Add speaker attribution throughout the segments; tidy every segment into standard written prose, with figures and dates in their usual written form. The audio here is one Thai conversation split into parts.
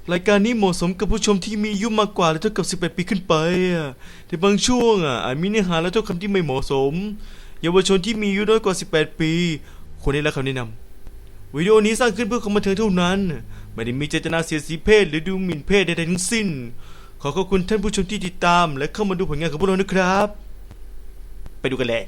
Speaker 1: รายการนี้เหมาะสมกับผู้ชมที่มีอายุมากกว่าและเท่ากับ18ปีขึ้นไปแต่บางช่วงอาจมีเนื้อหาและถ้อยคำที่ไม่เหมาะสมเยาวชนที่มีอายุน้อยกว่า18ปีควรได้รับคำแนะนำวิดีโอนี้สร้างขึ้นเพื่อความบันเทิงเท่านั้นไม่ได้มีเจตนาเสียดสีเพศหรือดูหมิ่นเพศใดๆทั้งสิ้นขอขอบคุณท่านผู้ชมที่ติดตามและเข้ามาดูผลงานของพวกเรานะครับไปดูกันเลย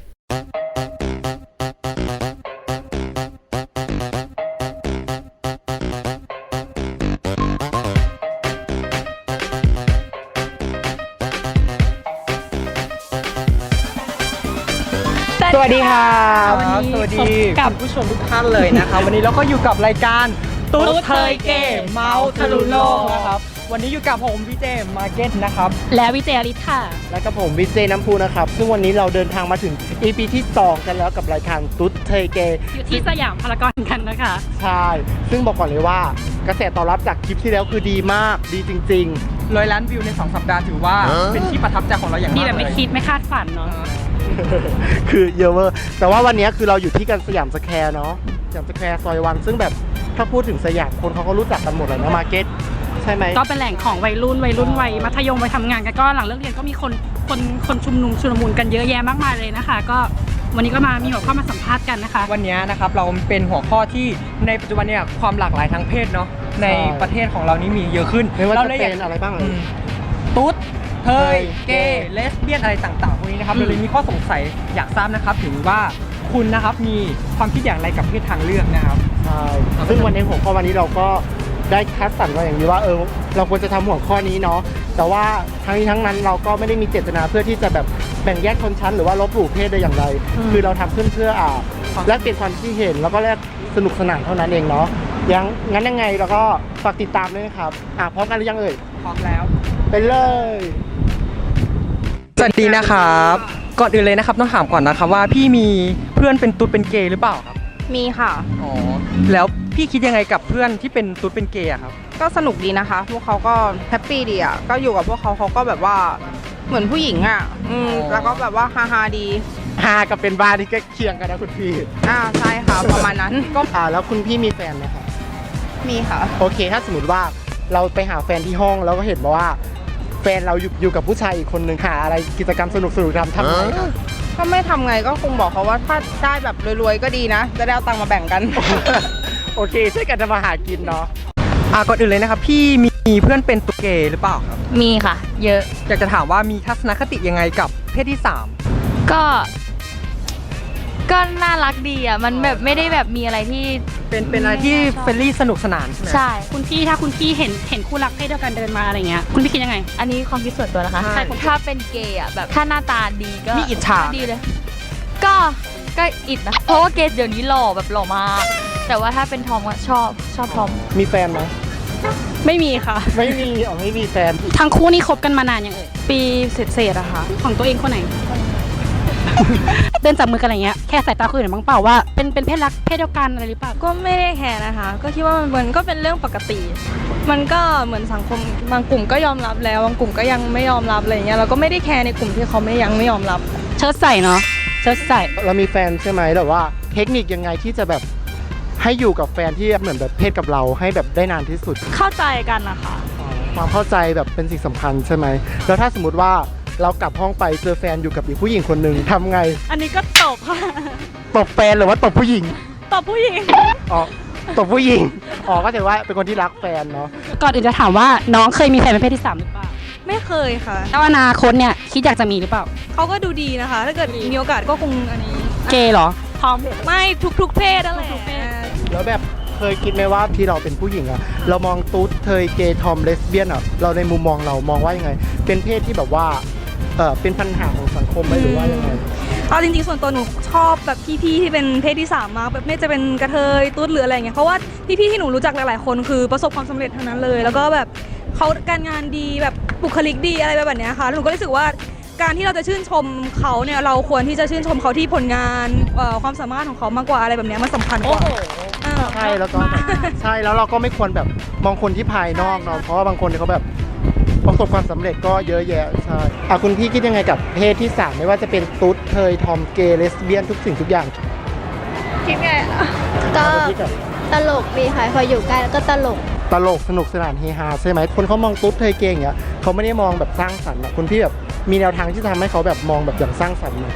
Speaker 2: สวัสดีครับสวัสดี
Speaker 3: กับ
Speaker 2: ผู้ชมทุกท่านเลยนะครับวันนี้เราก็อยู่กับรายการตุ๊ดเทยเกมเมาส์ทะลุโลกนะครับวันนี้อยู่กับผมพี่เจมาร์เก็ตนะครับ
Speaker 3: และวิเจอริค่ะ
Speaker 4: และกับผมวิเจน้ำพูนะครับซึ่งวันนี้เราเดินทางมาถึง EP ที่2กันแล้วกับรายการตุ๊ดเทยเกม
Speaker 3: อยู่ที่สยามพารากอนกันนะคะ
Speaker 4: ใช่ซึ่งบอกก่อนเลยว่ากระแสตอบรับจากคลิปที่แล้วคือดีมากดีจริง
Speaker 2: ๆ100 ล้านวิวใน2 สัปดาห์ถือว่าเป็นที่ประทับใจของเราอย่างมาก
Speaker 3: ดีแบบไม่คิดไม่คาดฝันเนาะ
Speaker 4: คือเยอะเวอร์แต่ว่าวันนี้คือเราอยู่ที่กันสยามสแควร์เนาะสยามสแควร์ซอยวันซึ่งแบบถ้าพูดถึงสยามคนเขาก็รู้จักกันหมดเลยนะมาร์เก็ตใช่ไหม
Speaker 3: ก็เป็นแหล่งของวัยรุ่นวัยมัธยมวัยทำงานกันก็หลังเลิกเรียนก็มีคนชุมนุมชุลมุนกันเยอะแยะมากมายเลยนะคะก็วันนี้ก็มีหัวข้อมาสัมภาษณ์กันนะคะ
Speaker 2: วันนี้นะครับเราเป็นหัวข้อที่ในปัจจุบันเนี่ยความหลากหลายทางเพศเนาะในประเทศของเรานี้มีเยอะขึ้น
Speaker 4: ไม่ว่าจะเป็นอะไรบ้าง
Speaker 2: ตุ๊ดเทยเกย์เลสเบี้ยนอะไรต่างๆพวกนี้นะครับเราเลยมีข้อสงสัยอยากทราบนะครับถึงว่าคุณนะครับมีความคิดอย่างไรกับเพศทางเลือกนะครับ
Speaker 4: ใช่ซึ่งวันนี้หัวข้อวันนี้เราก็ได้คัดสรรมาอย่างนี้ว่าเราควรจะทำหัวข้อนี้เนาะแต่ว่าทั้งนี้ทั้งนั้นเราก็ไม่ได้มีเจตนาเพื่อที่จะแบบแบ่งแยกชนชั้นหรือว่าลบหลู่เพศใดอย่างใดคือเราทำขึ้นเพื่อแลกเปลี่ยนความคิดเห็นแล้วก็แลกสนุกสนานเท่านั้นเองเนาะงั้นยังไงเราก็ฝากติดตามด้วยนะครับพร้อมกันหรือยังเอ่ย
Speaker 2: พร้อมแล้ว
Speaker 4: ไปเลย
Speaker 2: สวัสดีนะครับก่อนอื่นเลยนะครับต้องถามก่อนนะครับว่าพี่มีเพื่อนเป็นตุ๊ดเป็นเกย์หรือเปล่าครับ
Speaker 5: มีค่ะ
Speaker 2: อ๋อแล้วพี่คิดยังไงกับเพื่อนที่เป็นตุ๊ดเป็นเกย์ครับ
Speaker 5: ก็สนุกดีนะคะพวกเขาก็แฮปปี้ดีอ่ะก็อยู่กับพวกเขาก็แบบว่าเหมือนผู้หญิงอ่ะแล้วก็แบบว่าฮาดี
Speaker 4: ฮากับเป็นบ้าที่ใกล้เคียงกันนะคุณพี่
Speaker 5: ใช่ค่ะประมาณนั้น
Speaker 4: ก็แล้วคุณพี่มีแฟนไหมคะ
Speaker 5: มีค่ะ
Speaker 4: โอเคถ้าสมมติว่าเราไปหาแฟนที่ห้องแล้วก็เห็นว่าแฟนเราอยู่กับผู้ชายอีกคนนึงหาอะไรกิจกรรมสนุกทำไง
Speaker 5: ก็ไม่ทำไงก็คงบอกเขาว่าถ้าได้แบบรวยๆก็ดีนะจะได้เอาตังค์มาแบ่งกัน
Speaker 4: โอเคช่วยกันทำมาหากินเนาะ
Speaker 2: ก่อนอื่นเลยนะครับพี่มีเพื่อนเป็นตุ๊ดเกย์หรือเปล่าครับ
Speaker 3: มีค่ะเยอะ
Speaker 2: อยากจะถามว่ามีทัศนคติยังไงกับเพศที่3
Speaker 3: ก็น่ารักดีอ่ะมันแบบไม่ได้แบบมีอะไรที่
Speaker 2: เป็นอะไรที่เฟรนลี่สนุกสนาน
Speaker 3: ใช่คุณพี่ถ้าคุณพี่เห็นคู่รักเพศเดียวกันเดินมาอะไรเงี้ยคุณพี่คิดยังไง
Speaker 6: อันนี้ความคิดส่วนตัวนะคะถ้าเป็นเกย์อ่ะแบบถ้าหน้าตาดีก็
Speaker 2: มีอิจฉา
Speaker 6: ดีเลยก็อิจนะเพราะว่าเกย์เดี๋ยวนี้หล่อแบบหล่อมากแต่ว่าถ้าเป็นทอมก็ชอบทอม
Speaker 4: มีแฟนไหม
Speaker 3: ไม่มีค่ะ
Speaker 4: ไม่มีแฟน
Speaker 3: ทั้งคู่นี่คบกันมานานยังเอ่ยปีเศษอะค่ะของตัวเองคนไหนเดินจับมือกันอะไรเงี้ยแค่สายตาคุยหน่อยบ้างเปล่าว่าเป็นเพศรักเพศเดียวกันอะไรหรือเปล่า
Speaker 6: ก็ไม่ได้แคร์นะคะก็คิดว่ามันก็เป็นเรื่องปกติมันก็เหมือนสังคมบางกลุ่มก็ยอมรับแล้วบางกลุ่มก็ยังไม่ยอมรับอะไรเงี้ยเราก็ไม่ได้แคร์ในกลุ่มที่เขายังไม่ยอมรับ
Speaker 3: เชิดใส่เนาะเชิดใส่
Speaker 4: เรามีแฟนใช่ไหมแต่ว่าเทคนิคยังไงที่จะแบบให้อยู่กับแฟนที่เหมือนแบบเพศกับเราให้แบบได้นานที่สุด
Speaker 6: เข้าใจกันนะคะ
Speaker 4: ความเข้าใจแบบเป็นสิ่งสำคัญใช่ไหมแล้วถ้าสมมติว่าเรากลับห้องไปเจอแฟนอยู่กับอีกผู้หญิงคนหนึ่งทำไง
Speaker 6: อันนี้ก็ตบค่ะ
Speaker 4: ตบแฟนหรือว่าตบผู้หญิง
Speaker 6: ตบผู้หญิง
Speaker 4: ตบผู้หญิงก็ถือว่าเป็นคนที่รักแฟนเนาะ
Speaker 3: ก่อนอื่นจะถามว่าน้องเคยมีแฟนเป็นเพศที่3หรือเปล่า
Speaker 6: ไม่เคยค่ะ
Speaker 3: แล้วอนาคตเนี่ยคิดอยากจะมีหรือเปล่า
Speaker 6: เขาก็ดูดีนะคะถ้าเกิดมีโอกาสก็คงอันนี้
Speaker 3: เกย์เหรอ
Speaker 6: ทอมไม่ทุกเพศอะไร
Speaker 4: แล้วแบบเคยคิดไหมว่าที่เราเป็นผู้หญิงอะเรามองตุ๊ดเทยเกย์ทอมเลสเบี้ยนอะเราในมุมมองเรามองว่ายังไงเป็นเพศที่แบบว่าเป็นปัญหาของสังคมไหมหรือว่ายังไง
Speaker 6: เอาจริงๆส่วนตัวหนูชอบแบบพี่ๆที่เป็นเพศที่3มากแบบไม่จะเป็นกระเทยตุ๊ดหรืออะไรเงี้ยเพราะว่าพี่ๆที่หนูรู้จักหลายๆคนคือประสบความสำเร็จทั้งนั้นเลยแล้วก็แบบเขาการงานดีแบบบุคลิกดีอะไรแบบนี้ค่ะหนูก็รู้สึกว่าการที่เราจะชื่นชมเขาเนี่ยเราควรที่จะชื่นชมเขาที่ผลงานความสามารถของเขามากกว่าอะไรแบบนี้มันสำคัญกว่า
Speaker 4: ใช่แล้วก็ใช่แล้วเราก็ไม่ควรแบบมองคนที่ภายนอกเนาะเพราะว่าบางคนเขาแบบประสบความสำเร็จก็เยอะแยะใช่คุณพี่คิดยังไงกับเพศที่3ไม่ว่าจะเป็นตุ๊ดเทยทอมเกย์เลสเบี้ยนทุกสิ่งทุกอย่าง
Speaker 7: คิดไงก็ตลกดีค่ะพออยู่ใกล้แล้วก็ตลก
Speaker 4: ตลกสนุกสนานเฮฮาใช่ไหมคนเขามองตุ๊ดเธอเก่งอย่างเงี้ยเขาไม่ได้มองแบบสร้างสรรค์อะคุณพี่แบบมีแนวทางที่จะทำให้เขาแบบมองแบบอย่างสร้างสรรค์ไหม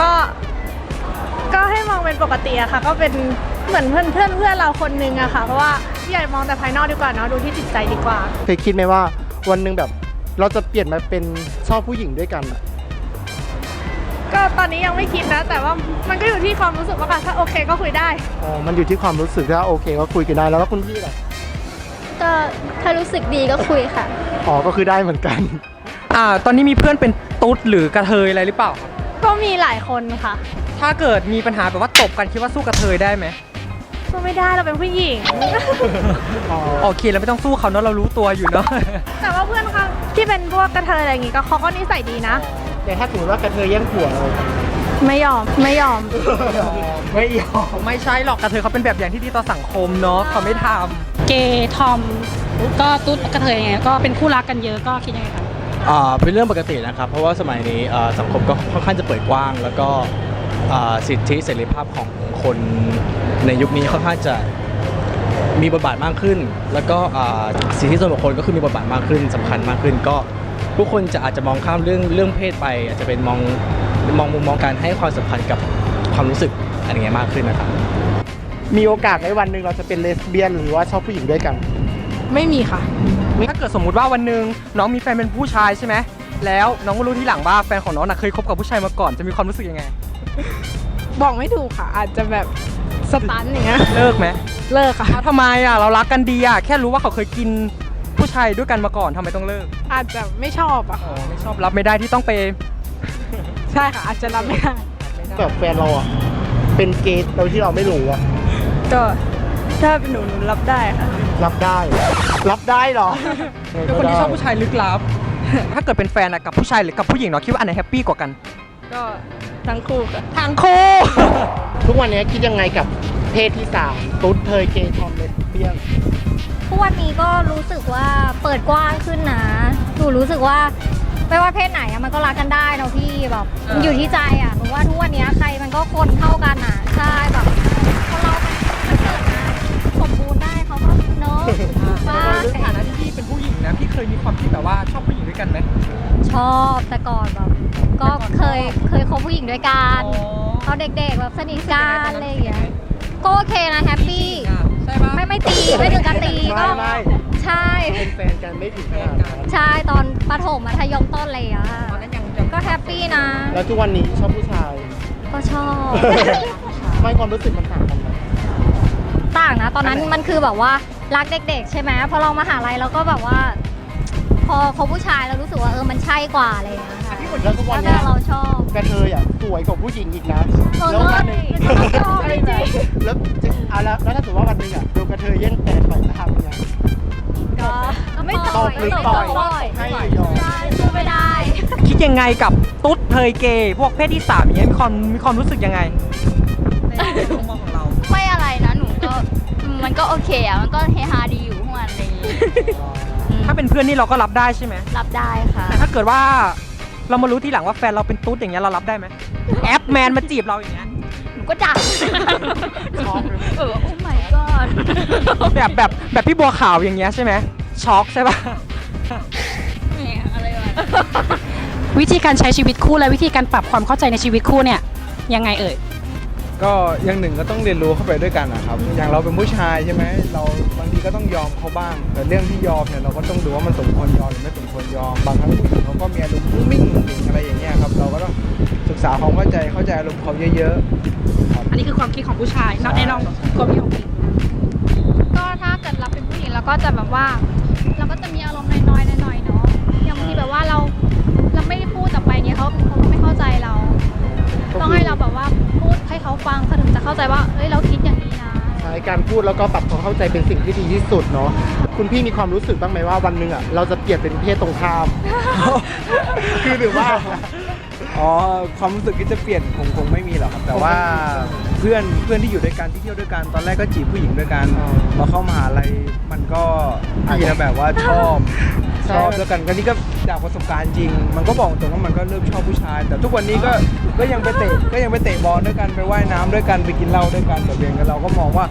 Speaker 7: ก็ให้มองเป็นปกติอะค่ะก็เป็นเหมือนเพื่อนเราคนนึงอะค่ะเพราะว่าอย่ามองแต่ภายนอกดีกว่าเนาะดูที่จิตใจดีกว่า
Speaker 4: เคยคิดไหมว่าวันหนึ่งแบบเราจะเปลี่ยนมาเป็นชอบผู้หญิงด้วยกันอะ
Speaker 7: ก็ตอนนี้ยังไม่คิดนะ แต่ว่ามันก็อยู่ที่ความรู้สึกว่าค่ะถ้าโอเคก็คุยได้
Speaker 4: อ๋อมันอยู่ที่ความรู้สึกถ้าโอเคก็คุยกันได้แล้วคุณพี่ล่ะ
Speaker 8: ก็ถ้ารู้สึกดีก็คุยค่ะ
Speaker 4: อ๋อก็คือได้เหมือนกัน
Speaker 2: ตอนนี้มีเพื่อนเป็นตุ๊ดหรือกระเทยอะไรหรือเปล่าครับ
Speaker 7: ก็มีหลายคนค่ะ
Speaker 2: ถ้าเกิดมีปัญหาแบบว่าตบกันคิดว่าสู้กระเทยได้ไหม
Speaker 7: ก็ไม่ได้เราเป็นผู้หญิง
Speaker 2: โอเคเราไม่ต้องสู้เขาเนาะเรารู้ตัวอยู่เนาะ
Speaker 7: แต่ว่าเพื่อนเขาที่เป็นพวกกระเทยอะไรอย่างงี้ก็เขาก็นิสัยดีนะ
Speaker 4: แต่ถ้าสมมติว่ากระเทยแย่งผัวเรา
Speaker 7: ไม่ยอม
Speaker 2: ไม่ยอมไม่ใช่หรอกกระเทยเขาเป็นแบบอย่างที่ดีต่อสังคมเนาะเขาไม่ท
Speaker 3: เกย์ทอมก็ตุ๊ดกระเทยยังไงก็เป็นคู่รักกันเยอะก็คิดยังไงคะ
Speaker 9: เป็นเรื่องปกตินะครับ เพราะว่าสมัยนี้สังคมก็ค่อนข้างจะเปิดกว้าง แล้วก็สิทธิเสรีภาพของคนในยุคนี้ค่อนข้างจะมีบทบาทมากขึ้น แล้วก็สิทธิส่วนบุคคลก็คือมีบทบาทมากขึ้นสำคัญมากขึ้น ก็ผู้คนอาจจะมองข้ามเรื่องเพศไป อาจจะเป็นมองมุมมองการให้ความสำคัญกับความรู้สึกอะไรเงี้ยมากขึ้นนะครับ
Speaker 4: มีโอกาสในวันหนึ่งเราจะเป็นเลสเบี้ยนหรือว่าชอบผู้หญิงด้วยกัน
Speaker 2: ไม่มีค่ะ ถ้าเกิดสมมุติว่าวันหนึ่งน้องมีแฟนเป็นผู้ชายใช่ไหมแล้วน้องก็รู้ทีหลังว่าแฟนของน้องเคยคบกับผู้ชายมาก่อนจะมีความรู้สึกยังไง
Speaker 7: บอกไม่ถูกค่ะ อาจจะแบบสตันอย่างเงี้ย
Speaker 2: เลิกไหม
Speaker 7: เลิกค่ะ
Speaker 2: ทำไมเรารักกันดีแค่รู้ว่าเขาเคยกินผู้ชายด้วยกันมาก่อนทำไมต้องเลิก
Speaker 7: อาจจะไม่ชอบอะ
Speaker 2: อ๋อไม่ชอบรับไม่ได้ที่ต้องไป
Speaker 7: ใช่ค่ะ อาจจะรับไม่ได้
Speaker 4: แบบแฟนเราอ่ะเป็นเกย์โดยที่เราไม่รู้อ่ะ
Speaker 6: ก็ถ้าเป็นหนูรับได้ค่ะ
Speaker 4: รับได้เหรอ
Speaker 2: เป็นคนที่ชอบผู้ชายลึกลับ ถ้าเกิดเป็นแฟนกับผู้ชายหรือกับผู้หญิงเนาะคิดว่าอันไหนแฮปปี้กว่ากัน
Speaker 6: ก็ทั้งคู่ค่ะ
Speaker 2: ทางคู่
Speaker 4: ทุกวันนี้คิดยังไงกับเพศที่3ตุ๊ดเทยเกย์ทอมเลสเบี้ยน
Speaker 8: ทุกวันนี้ก็รู้สึกว่าเปิดกว้างขึ้นนะหนูรู้สึกว่าไม่ว่าเพศไหนอะมันก็รักกันได้เนาะพี่แบบมันอยู่ที่ใจอะหนูว่าทุกวันนี้ใครมันก็คนเท่ากันอะใช่แบบคนเรามันเกิดมาสมบูรณ์ได้เขาก็เนาะว่า
Speaker 2: ในฐานะที่พี่เป็นผู้หญิงนะพี่เคยมีความคิดแบบว่าชอบผู้หญิงด้วยกันไหม
Speaker 8: ชอบแต่ก่อนแบบก็เคยคบผู้หญิงด้วยกันตอนเด็กๆแบบสนิทกันอะไรอย่างเงี้ยก็โอเคนะแฮปปี้
Speaker 2: ใช่ปะ
Speaker 8: ไม่ตีไม่ถึงกับตีก็
Speaker 4: ไม่
Speaker 8: ใช่
Speaker 4: เป็นแฟนกันไม่ถึงขนาดนั้น
Speaker 8: ใช่ตอนประถมมัธยมต้นเลยอะ
Speaker 2: ตอนนั้นยัง
Speaker 8: ก็แฮปปี้นะ
Speaker 4: แล้วทุกวันนี้ชอบผู้ชาย
Speaker 8: ก็ชอบ
Speaker 4: ไม่ความรู้สึกมันต่างกันไหม
Speaker 8: ต่างนะตอนนั้นมันคือแบบว่ารักเด็กๆใช่ไหมพอเรามหาลัยเราก็แบบว่า พอเขาผู้ชายเรารู้สึกว่ามันใช่กว่าอะไรอย่างเงี้ยค่ะ
Speaker 4: แล้วทุกวัน
Speaker 8: แล้ว
Speaker 4: นี้
Speaker 8: ก็เราชอบ
Speaker 4: กระเทยอ่ะสวยกว่าผู้หญิงอีกนะ แล้ววันหนึ่ง
Speaker 8: ชอบจริง
Speaker 4: แล้วแล้วถ้าสมมติว่าวันหนึ่งอ่ะโดนกระเทยแย่งแฟนไปจะทำยังไง
Speaker 8: ก็ไม่ต่อย
Speaker 4: หรือ
Speaker 8: ไม่
Speaker 4: ต่
Speaker 8: ต่
Speaker 4: อ
Speaker 8: อย ย
Speaker 4: ให้ยอม
Speaker 8: ใช่สู้ไม่ได้
Speaker 2: คิดยังไงกับตุ๊ดเทยเกย์พวกเพศที่3อย่างเงี้ยมีความรู้สึกยังไงในมุมมองของเรา
Speaker 10: ไม่อะไรนะหนูก็มันก็โอเคอะมันก็เฮฮาดีอยู่พวกมันอะไรอย่างงี้
Speaker 2: ถ้าเป็นเพื่อนนี่เราก็รับได้ใช่ไหม
Speaker 10: รับได้ค่ะ
Speaker 2: แต่ถ้าเกิดว่าเรามารู้ทีหลังว่าแฟนเราเป็นตุ๊ดอย่างเงี้ยเรารับได้ไหมแอปแมนมาจีบเราอย่างเงี้ย
Speaker 10: หนูก็ดังโอ้ my god
Speaker 2: แบบพี่บัวขาวอย่างเงี้ยใช่ไหมช็อกใช่ปะ
Speaker 10: แหมอะไรวะ
Speaker 3: วิธีการใช้ชีวิตคู่และวิธีการปรับความเข้าใจในชีวิตคู่เนี่ยยังไงเอ่ย
Speaker 11: ก็อย่างหนึ่งก็ต้องเรียนรู้เข้าไปด้วยกันนะครับ อย่างเราเป็นผู้ชายใช่ไหมเราบางทีก็ต้องยอมเขาบ้าง แต่เรื่องที่ยอมเนี่ยเราก็ต้องดูว่ามันสมควรยอมหรือไม่สมควรยอม บางครั้งผู้หญิงเขาก็มีอารมณ์นิ่งๆอะไรอย่างเงี้ยครับ เราก็ต้องศึกษาความเข้าใจอารมณ์เขาเยอะๆครับ
Speaker 3: อันนี้คือความคิดของผู้ชายนอกแน่นอนความคิดของผู้หญิง
Speaker 10: ก็ถ้าเกิดเราเป็นผู้หญิงเราก็จะแบบว่า เราก็จะมีอารมณ์น้อยๆหน่อยๆเนาะอย่างบางทีแบบว่าเราไม่ได้พูดต่อไปเนี่ยเขาก็ไม่เข้าใจเรา ต้องให้เราแบบว่าพูดให้เขาฟังเขาถึงจะเข้าใจว่าเอ้ยเราคิดอย่างนี้นะ
Speaker 4: ใช่การพูดแล้วก็ปรับความเข้าใจเป็นสิ่งที่ดีที่สุดเนาะ คุณพี่มีความรู้สึกบ้างไหมว่าวันหนึ่งอ่ะเราจะเปลี่ยนเป็นเพศตรงข้าม คือหรือว่า
Speaker 11: อ๋อความรู้สึกที่จะเปลี่ยนคงไม่มีหรอกครับ แต่ว่าเพื่อนที่อยู่ด้วยกันที่เที่ยวด้วยกันตอนแรกก็จีบผู้หญิงด้วยกัน
Speaker 4: อ๋อ
Speaker 11: พอเข้ามหาลัยมันก็อาจจะแบบว่าชอบ
Speaker 4: ใช่
Speaker 11: ชอบด้วยกันก็นี่ก็จากประสบการณ์จริง มันก็บอกตรงว่ามันก็เริ่มชอบผู้ชาย แต่ทุกวันนี้ก็ยังไปเตะบอลด้วยกันไปว่ายน้ำด้วยกันไปกินเหล้าด้วยกันแต่เพียงแต่เราก็มองว่า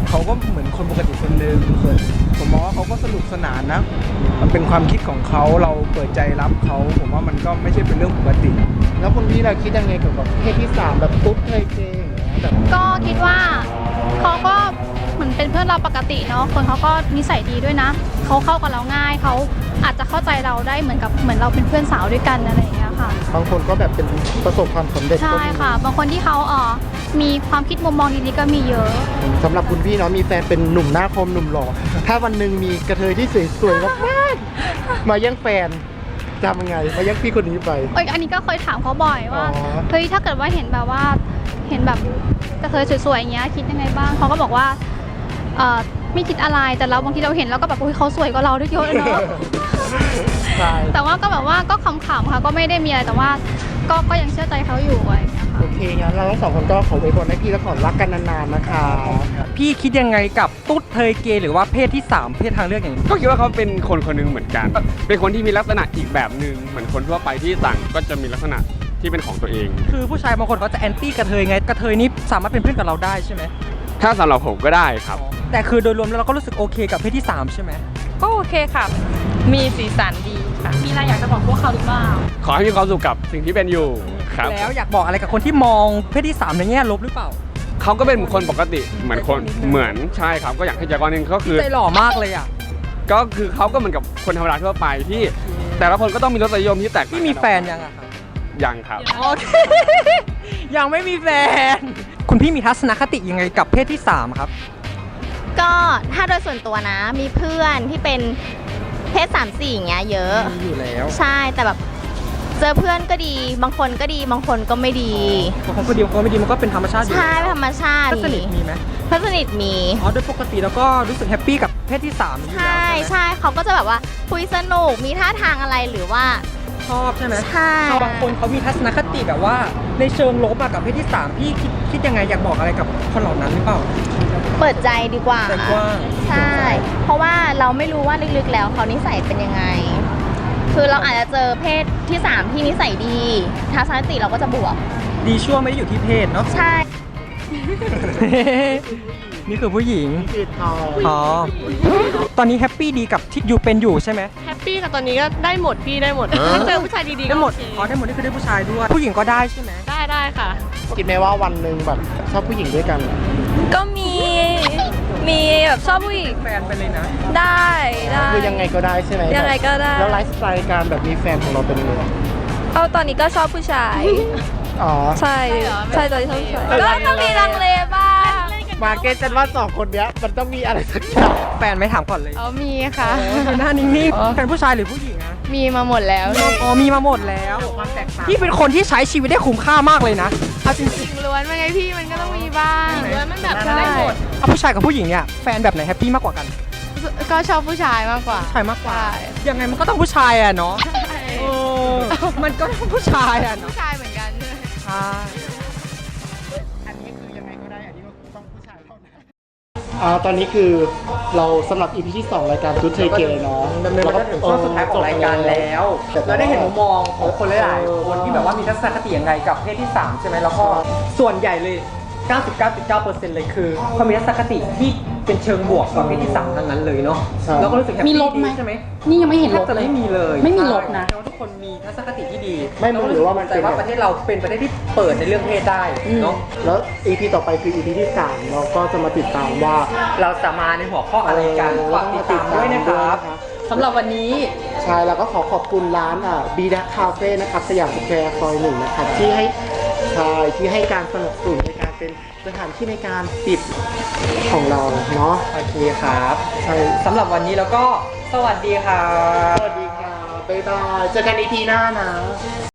Speaker 11: เขาก็เหมือนคนปกติคนหนึ่งส่วนผมมองว่าเขาก็สนุกสนานนะ มันเป็นความคิดของเขาเราเปิดใจรับเขาผมว่ามันก็ไม่ใช่เป็นเรื่องปกติ
Speaker 4: แล้วคุณพี่เราคิดยังไงเกี่ยวกับเพศที่ 3 แบบตุ๊ดเทยเกย์อย่างเงี้ยแบบ
Speaker 10: ก็คิดว่าเขาก็เหมือนเป็นเพื่อนเราปกติเนาะคนเขาก็นิสัยดีด้วยนะเขาเข้ากับเราง่ายเขาอาจจะเข้าใจเราได้เหมือนเราเป็นเพื่อนสาวด้วยกันอะไรอย่างเงี้ยค่ะ
Speaker 4: บางคนก็แบบเป็นประสบความสำเร็จก็
Speaker 10: ใช่
Speaker 4: มี
Speaker 10: ค่ะ บางคนที่เขามีความคิดมุมมองดีๆก็มีเยอะ
Speaker 4: สำหรับคุณพี่เนาะมีแฟนเป็นหนุ่มหน้าคมหนุ่มหล่อถ้าวันหนึ่งมีกระเทยที่สวยๆมากๆมาแย่งแฟนจะทำยังไงมาแย่งพี่คนนี้ไป
Speaker 10: อันนี้ก็เคยถามเขาบ่อยว่า
Speaker 4: อ๋อ
Speaker 10: เฮ้ยถ้าเกิดว่าเห็นแบบกระเทยสวยๆอย่างเงี้ยคิดยังไงบ้างเขาก็บอกว่าไม่คิดอะไรแต่เราบางทีเราเห็นแล้วก็แบบเขาสวยกว่าเราด้วยเยอะเลยเนาะ
Speaker 4: ใช่
Speaker 10: แต่ว่าก็แบบว่าก็ขำๆค่ะก็ไม่ได้มีอะไรแต่ว่าก็ยังเชื่อใจเขาอยู่อะไรอย่างเงี้ยค่ะ
Speaker 4: โอเคงั้นเราทั้งสองคนก็ขออวยพรให้พี่และขอรักกันนานๆนะคะ
Speaker 2: พี่คิดยังไงกับตุ๊ดเทยเกย์หรือว่าเพศที่ 3 เพศทางเลือกอย่างนี้
Speaker 12: ก็คิดว่าเขาเป็นคนคนหนึงเหมือนกัน เป็นคนที่มีลักษณะอีกแบบหนึ่งเหมือนคนทั่วไปที่ต่างก็จะมีลักษณะที่เป็นของตัวเอง
Speaker 2: คือผู้ชายบางคนเขาจะแอนตี้กระเทยไงกระเทยนี่สามารถเป็นเพื่อนกับเราได้ใช่ไหม
Speaker 12: ถ้าสำหรับผมก็ได้ครับ
Speaker 2: แต่คือโดยรวมแล้วเราก็รู้สึกโอเคกับเพศที่ 3 ใช่ไหม
Speaker 5: ก็โอเคค่ะ มีสีสันดีค่ะ
Speaker 3: มีอะไรอยากจะบอกพวกเขาหรือเปล่า
Speaker 12: ขอให้มีความสุขกับสิ่งที่เป็นอยู่ครับ
Speaker 2: แล้วอยากบอกอะไรกับคนที่มองเพศที่ 3 ในแง่ลบหรือเปล่า
Speaker 12: เขาก็เป็นคนปกติเหมือนคนเหมือนใช่ครับก็อย่างที่แจ็คว่านึงก็คือ
Speaker 2: ใจหล่อมากเลยอ่ะ
Speaker 12: ก็คือเขาก็เหมือนกับคนธรรมดาทั่วไปที่แต่ละคนก็ต้องมีรสนิยมที่แตกต่าง
Speaker 2: พี่มีแฟนยังอะครับ
Speaker 12: ยังครับ
Speaker 2: โอเค ยังไม่มีแฟน คุณพี่มีทัศนคติยังไงกับเพศที่ 3 ครับ
Speaker 13: ก็ถ้าโดยส่วนตัวนะมีเพื่อนที่เป็นเพศ3-4อย่างเงี้ยเยอะ
Speaker 2: มีอยู่แล้ว
Speaker 13: ใช่แต่แบบเจอเพื่อนก็ดีบางคนก็ดีบางคนก็ไม่ดี
Speaker 2: บางคนก็ดีบางคนไม่ดีมันก็เป็นธรรมชาติอยู่
Speaker 13: ใช่ธรรมชาติ
Speaker 2: เพื่อนสนิทมีไหม
Speaker 13: เพื่อนสนิทมี
Speaker 2: อ๋อโดยปกติแล้วก็รู้สึกแฮปปี้กับเพศที่ 3 อยู่แล้ว
Speaker 13: ใช่
Speaker 2: ใช่ไหม
Speaker 13: ใช่เขาก็จะแบบว่าคุยสนุกมีท่าทางอะไรหรือว่า
Speaker 2: ชอบใช่ไหม
Speaker 13: ใช่
Speaker 2: บางคนเขามีทัศนคติแบบว่าในเชิงลบอะกับเพศที่ 3 พี่คิดยังไงอยากบอกอะไรกับคนเหล่านั้นหรือเปล่า
Speaker 13: เปิดใจดีกว่า
Speaker 2: ใจกว้าง
Speaker 13: ใช่ เพราะว่าเราไม่รู้ว่าลึกๆแล้วเขานิสัยเป็นยังไง คือเราอาจจะเจอเพศที่ 3 ที่นิสัยดีทัศนคติเราก็จะบวก
Speaker 2: ดีชั่วไม่ได้อยู่ที่เพศเนาะ
Speaker 13: ใช่
Speaker 2: นี่คือผู้หญิง
Speaker 4: คือทอง
Speaker 2: อ๋อ ตอนนี้แฮปปี้ดีกับที่อยู่เป็นอยู่ใช่ไหม
Speaker 5: แฮปปี้ค่ะตอนนี้ก็ได้หมดพี่ได้หมดถ้าเจอผู้ชายดีๆก็
Speaker 2: ได้หมด
Speaker 5: โอเค
Speaker 2: อ๋อได้หมดนี่คือได้ผู้ชายด้วย ผู้หญิงก็ได้ใช่ไหม
Speaker 5: ได้ค่ะ
Speaker 4: คิดไหมว่าวันหนึ่งแบบชอบผู้หญิงด้วยกัน
Speaker 6: ก็มีแบบชอบผู้หญิง
Speaker 2: แฟนไปเลยนะ
Speaker 6: ได้ได้
Speaker 4: คือยังไงก็ได้ใช่ไหม
Speaker 6: ยังไงก็ได้
Speaker 4: แล้วไลฟ์สไตล์การแบบมีแฟนของเราเป็นยังไง
Speaker 6: เอาตอนนี้ก็ชอบผู้ชาย
Speaker 4: อ๋อ
Speaker 6: ใช่ใช่ตอนนี้ชอบผู้ชายก็ต้องมีลังเลบ้าง
Speaker 4: มาเก็ตฉันว่า2 คนเนี้ยมันต้องมีอะไรสักอย่าง
Speaker 2: แฟนไหม่ถามก่อนเลย
Speaker 5: มีค่ะ
Speaker 2: คือหน้านิ่งๆแฟนผู้ชายหรือผู้หญิงอะ
Speaker 5: มีมาหมดแล้ว
Speaker 2: อ๋อมีมาหมดแล้วพี่เป็นคนที่ใช้ชีวิตได้คุ้มค่ามากเลยนะเอาจริง
Speaker 5: ล้วนมาไงพี่มันก็ต้องมีบ้างล้วนมันแบบ
Speaker 2: ๆได้หมดเอาผู้ชายกับผู้หญิงเนี่ยแฟนแบบไหนแฮปปี้มากกว่ากัน
Speaker 5: ก็ชอบผู้ชายมากกว่า
Speaker 2: ผู้ชายมากกว่ายังไงมันก็ต้องผู้ชายอะเนาะเออมันก็ต้องผู้ชายอะเนาะ
Speaker 5: ผู้ชายเหมือนกัน
Speaker 2: ใช่
Speaker 4: อันนี้คือยังไงก็ได้ อันนี้ต้องผู้ชายเท่านั้นตอนนี้คือเราสำหรับ EP ที่ 2 รายการตุ๊ดเทยเกย์เนาะ
Speaker 2: ดำเนินมาถึงช่วงสุดท้ายของรายการแล้วเราได้เห็นมุมมองของคนหลายๆคนที่แบบว่ามีทัศนคติยังไงกับเพศที่ 3 ใช่ไหมแล้วก็ส่วนใหญ่เลย 99.9% เลยคือเขามีทัศนคติที่เป็นเชิงบวกกับเพศที่ 3 ทั้งนั้นเลยเนาะแล้วก็รู้สึกแฮปปี้
Speaker 3: มีลบไหม
Speaker 2: ใช่ไหม
Speaker 3: นี่ยังไม่เห็น
Speaker 2: แท
Speaker 3: ล
Speaker 2: บบ จะ
Speaker 3: เลย
Speaker 2: ไม่มีเลย
Speaker 3: ไม่มีลบนะ
Speaker 2: แสดงว่าทุกคนมีทัศนคติที่ดี
Speaker 4: ไม่รู้หรือว่ามัน
Speaker 2: แต่ว่าประเทศเราเป็นประเทศที่เปิดในเรื่องเพศได้เนาะ
Speaker 4: แล้ว EP ต่อไปคือ EP ที่ 3 เราก็จะมาติดตามว่า
Speaker 2: เราจะมาในหัวข้ออะไรกันฝากติดตามด้วยนะครับสำหรับวันนี้
Speaker 4: ใช่แล้วก็ขอบคุณร้านบีดักคาเฟ่นะครับสยามสแควร์ซอย 1 นะครับที่ให้การสนับสนุนในการเป็นสถานที่ในการปิดของเราเนาะ
Speaker 2: โอเคครับ
Speaker 4: ใช่
Speaker 2: สำหรับวันนี้แล้วก็สวัสดีครับ
Speaker 4: สวัสดีค่ะบ๊ายบายเจอกัน EP หน้านะ